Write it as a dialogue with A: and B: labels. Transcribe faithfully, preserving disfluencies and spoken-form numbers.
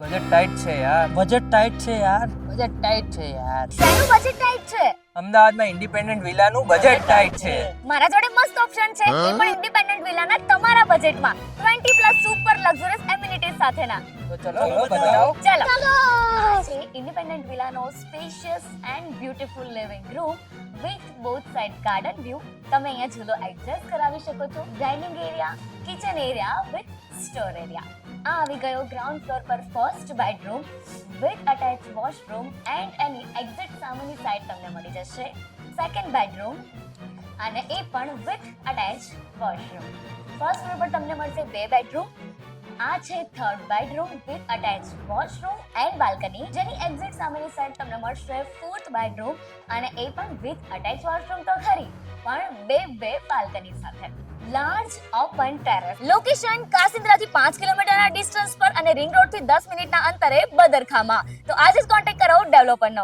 A: Budget tight છે યાર.
B: Budget tight છે યાર.
A: બજેટ ટાઈટ છે યાર.
C: શેનું બજેટ ટાઈટ છે?
A: અમદાવાદમાં ઇન્ડિપેન્ડન્ટ વિલાનું બજેટ ટાઈટ છે.
C: મારા જોડે મસ્ત ઓપ્શન છે, એ પણ ઇન્ડિપેન્ડન્ટ વિલાના તમારા બજેટમાં વીસ પ્લસ સુપર લક્ઝરિયસ એમિનિટીઝ સાથેના.
A: તો ચલો બતાવો.
C: ચાલો આ છે ઇન્ડિપેન્ડન્ટ વિલાનો spacious and beautiful living room with both side garden view. તમે અહીંયા ઝૂલો એડજસ્ટ કરાવી શકો છો. Dining area, kitchen area with store area. આ આવી ગયો ગ્રાઉન્ડ ફ્લોર પર first bedroom with attach washroom and એની એક્ઝિટ સામેની સાઈડ તમને મળી જશે સેકન્ડ બેડરૂમ અને એ પણ with attach washroom. First floor પર તમને મળશે બે બેડરૂમ. આ છે third bedroom with attach washroom and balcony, જેની એક્ઝિટ સામેની સાઈડ તમને મળશે ફોર્થ બેડરૂમ અને એ પણ વિથ અટેચ વોશરૂમ તો ખરી, પણ બે બે બાલ્કની સાથે. Large open terrace. લોકેશન કાસિન્દ્રાથી પાંચ કિલોમીટરના ડિસ્ટન્સ પર અને રિંગ રોડ થી દસ મિનિટના અંતરે બદરખામાં. તો આજે જ કોન્ટેક્ટ કરો ડેવલપરનો.